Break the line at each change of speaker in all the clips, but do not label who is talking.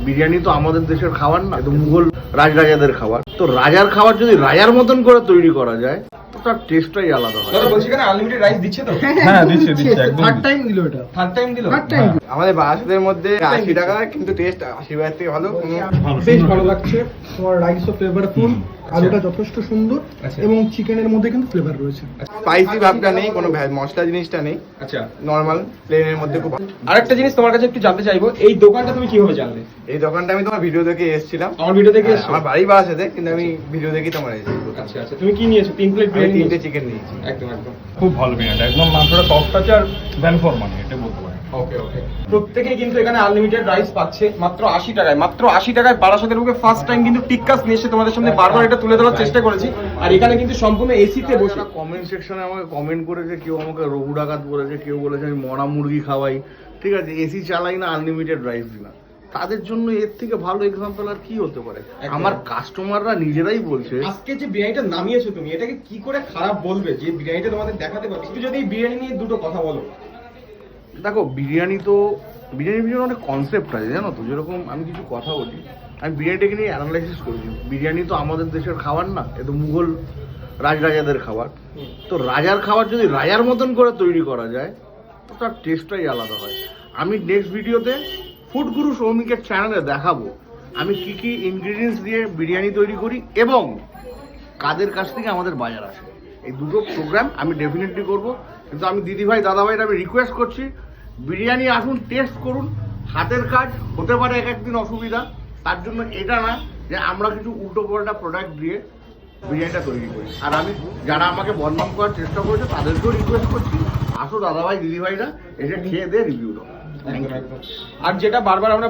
বিরিয়ানি তো আমাদের দেশের খাবার না, তো মুঘল রাজরাজাদের খাবার। তো রাজার খাবার যদি রাজার মতন করে তৈরি করা যায় তো তার টেস্টটাই আলাদা হয়।
দাদা বলছি কেন আনলিমিটেড রাইস দিচ্ছে তো?
হ্যাঁ দিচ্ছে একদম।
থার্ড টাইম দিল এটা।
থার্ড টাইম দিল?
আমাদের বারাসাতের মধ্যে 80 টাকা, কিন্তু টেস্ট 80 টাকার থেকে ভালো।
বেশ ভালো লাগছে। তোমার রাইসও ফ্লেভারফুল, আলুটা যথেষ্ট সুন্দর এবং চিকেনের মধ্যে কিন্তু ফ্লেভার রয়েছে।
স্পাইসি ভাবটা নেই, কোনো মশলা জিনিসটা নেই।
আচ্ছা,
নরমাল প্লেনের মধ্যে খুব ভালো।
আরেকটা জিনিস তোমার কাছে একটু জানতে চাইবো, এই দোকানটা তুমি কিভাবে জানলে?
এই দোকানটা আমি তোমার ভিডিও দেখে এসেছিলাম।
আমার ভিডিও দেখে এসেছো?
আমার বাড়ি বারাসাতে, কিন্তু আমি ভিডিও দেখেই তোমার এসেছি।
আচ্ছা আচ্ছা, তুমি কি নিয়েছো? 3 প্লেট
আমি
বিরিয়ানি?
3টে চিকেন নিয়েছি।
একদম একদম
খুব ভালো বিরিয়ানি, একদম মাংসটা সফট আছে আর ভ্যান ফর মানি, এটা বলতে পারি।
ওকে ওকে। প্রত্যেকেই কিন্তু এখানে আনলিমিটেড রাইস পাচ্ছে মাত্র 80 টাকায়। মাত্র 80 টাকায় বারাসাতের বুকে ফার্স্ট টাইম কিন্তু টিক্কাস নিয়ে এসে তোমাদের সামনে বারবার এটা তুলে ধরার চেষ্টা করেছি। আর এখানে কিন্তু সম্পূর্ণ এসিতে বসে।
কমেন্ট সেকশনে আমাকে কমেন্ট করেছে, কেউ আমাকে রঘু ডাকাত বলেছে, কেউ বলেছে আমি মরা মুরগি খাওয়াই, ঠিক আছে, এসি চালাই না, আনলিমিটেড রাইস দিই না। তাদের জন্য এর থেকে ভালো এক্সাম্পল আর কি হতে পারে? আমার কাস্টমাররা নিজেরাই বলছে।
আজকে যে বিরিয়ানিটা নামিয়েছো তুমি, এটাকে কি করে খারাপ বলবে? যে বিরিয়ানিটা তোমাদের দেখাতে পারবে, একটু যদি এই বিরিয়ানি নিয়ে দুটো কথা বলো।
দেখো, বিরিয়ানির পিছনে অনেক কনসেপ্ট আছে, জানো তো। যেরকম আমি কিছু কথা বলি, আমি বিরিয়ানিটাকে নিয়ে অ্যানালাইসিস করেছি। বিরিয়ানি তো আমাদের দেশের খাবার না, এ তো মুঘল রাজরাজাদের খাবার। তো রাজার খাবার যদি রাজার মতন করে তৈরি করা যায় তো তার টেস্টটাই আলাদা হয়। আমি নেক্সট ভিডিওতে ফুড গুরু সৌমিকের চ্যানেলে দেখাবো আমি কি কি ইনগ্রিডিয়েন্টস দিয়ে বিরিয়ানি তৈরি করি এবং কাদের কাছ থেকে আমাদের বাজার আসে। এই দুটো প্রোগ্রাম আমি ডেফিনেটলি করব। কিন্তু আমি দিদিভাই দাদাভাইরা আমি রিকোয়েস্ট করছি, বিরিয়ানি আসুন, টেস্ট করুন। হাতের কাজ হতে পারে এক একদিন অসুবিধা, তার জন্য এটা না যে আমরা কিছু উল্টো পাল্টা প্রোডাক্ট দিয়ে বিরিয়ানিটা তৈরি করি। আর আমি যারা আমাকে বদনাম করার চেষ্টা করেছে তাদেরকেও রিকোয়েস্ট করছি, আসো দাদাভাই দিদিভাইরা, এসে খেয়ে দিয়ে রিভিউ দাও।
আর যেটা বারবার আমরা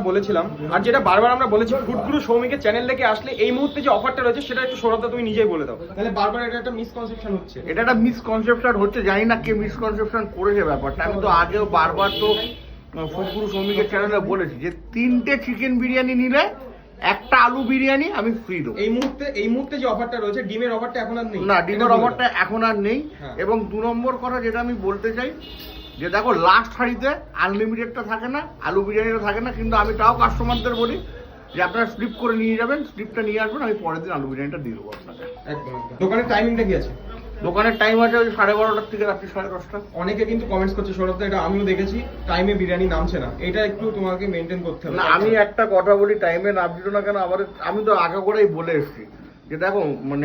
বলেছি, ফুড গুরু সৌমিকের চ্যানেল থেকে আসলে এই মুহূর্তে যে অফারটা রয়েছে সেটা একটু সৌরভদা তুমি নিজেই বলে দাও। তাহলে বারবার এটা একটা মিসকনসেপশন হচ্ছে।
এটা একটা মিসকনসেপশন হচ্ছে, জানি না কে মিসকনসেপশন করেছে ব্যাপারটা। আমি তো আগেও বারবার তো ফুড গুরু সৌমিকের চ্যানেলে বলেছি যে 3টে চিকেন বিরিয়ানি নিলে একটা আলু বিরিয়ানি আমি ফ্রি দেবো।
এই মুহূর্তে যে অফারটা রয়েছে, ডিমের অফারটা এখন আর নেই
না, ডিমের অফারটা এখন আর নেই। এবং 2 নম্বর কথা যেটা আমি বলতে চাই, যে দেখো লাস্ট হাঁড়িতে আনলিমিটেডটা থাকে না, আলু বিরিয়ানিটা থাকে না, কিন্তু আমি তাও কাস্টমারদের বলি যে আপনারা স্লিপ করে নিয়ে যাবেন, স্লিপটা নিয়ে আসবেন, আমি পরের দিন আলু বিরিয়ানিটা দিয়ে দেবো আপনাকে।
একদম। দোকানের টাইমিংটা কি আছে?
দোকানের টাইম আছে ওই 12:30 থেকে রাত্রি 10:30।
অনেকে কিন্তু কমেন্টস করছে সৌরভদা, এটা আমিও দেখেছি, টাইমে বিরিয়ানি নামছে না, এটা একটু তোমাকে মেনটেন করতে হবে।
না, আমি একটা কথা বলি, টাইমে নামছিল না কেন, আমি তো আগে করেই বলে এসেছি যে দেখো মানে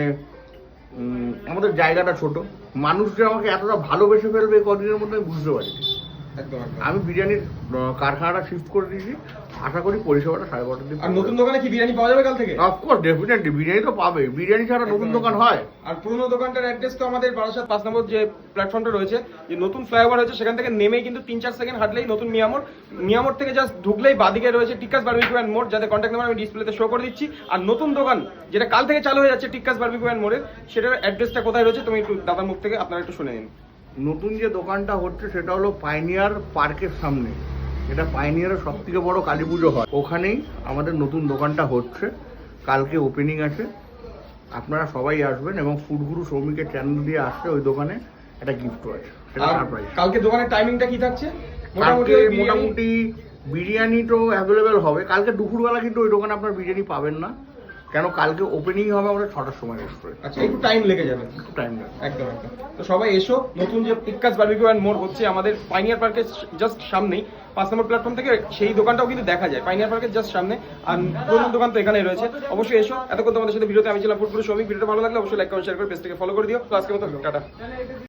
আমাদের জায়গাটা ছোট, মানুষ যে আমাকে এতটা ভালোবেসে ফেলবে এই কদিনের মধ্যে আমি বুঝতে পারি।
একদম।
আমি বিরিয়ানির কারখানাটা শিফট করে দিয়েছি, আশা করি পরিষেবাটা 12:30 দিন।
আর নতুন দোকানে কি বিরিয়ানি পাওয়া যাবে কাল থেকে?
অফকোর্স, ডেফিনেটলি বিরিয়ানি তো পাবে, বিরিয়ানি ছাড়া নতুন দোকান হয়?
আর পুরনো দোকানটার অ্যাড্রেস তো আমাদের বারাসাত 5 নম্বর যে প্ল্যাটফর্মটা রয়েছে, যে নতুন ফ্লাইওভার হয়েছে, সেখান থেকে নেমেই কিন্তু 3-4 সেকেন্ড হাঁটলেই নতুন মিয়ামোড় থেকে জাস্ট ঢুকলেই বাদিকে রয়েছে টিক্কাস বারবিকিউ অ্যান্ড মোর, যাদের কন্ট্যাক্ট নাম্বার আমি ডিসপ্লেতে শো করে দিচ্ছি। আর নতুন দোকান যেটা কাল থেকে চালু হয়ে যাচ্ছে টিক্কাস বারবিকিউ অ্যান্ড মোরের, সেটার অ্যাড্রেসটা কোথায় রয়েছে তুমি একটু দাদার মুখ থেকে আপনারা একটু শুনে নিন।
নতুন যে দোকানটা হচ্ছে সেটা হলো পাইনিয়ার পার্কের সামনে। এটা পাইনিয়ারের সব থেকে বড় কালী পুজো হয়, ওখানেই আমাদের নতুন দোকানটা হচ্ছে। কালকে ওপেনিং আছে, আপনারা সবাই আসবেন। এবং ফুড গুরু সৌমিকের চ্যানেল দিয়ে আসছে, ওই দোকানে একটা গিফটও আছে, সেটা সারপ্রাইজ।
কালকে দোকানের টাইমিংটা কি থাকছে?
মোটামুটি বিরিয়ানি তো অ্যাভেলেবেল হবে কালকে দুপুরবেলা, কিন্তু ওই দোকানে আপনার বিরিয়ানি পাবেন না, কেন কালকে ওপেনিং হবে আমাদের 6টার সময় রেস্টুরেন্ট।
আচ্ছা, একটু টাইম লেগে যাবে। একদম। তো সবাই এসো, নতুন যে টিক্কাস বারবিকিউ অ্যান্ড মোর হচ্ছে আমাদের পাইনিয়ার পার্কের জাস্ট সামনেই, 5 নম্বর প্ল্যাটফর্ম থেকে সেই দোকানটাও কিন্তু দেখা যায় পাইনিয়ার পার্কের জাস্ট সামনে। আর পুরোনো দোকান তো এখানেই রয়েছে, অবশ্যই এসো। এতক্ষণ তোমাদের সাথে ভিডিওতে আমি ছিলাম ফুড গুরু সৌমিক। ভিডিওটা ভালো লাগলে অবশ্যই লাইক কমেন্ট শেয়ার করে পেজটাকে ফলো করে দিও। তো আজকের মতো টাটা।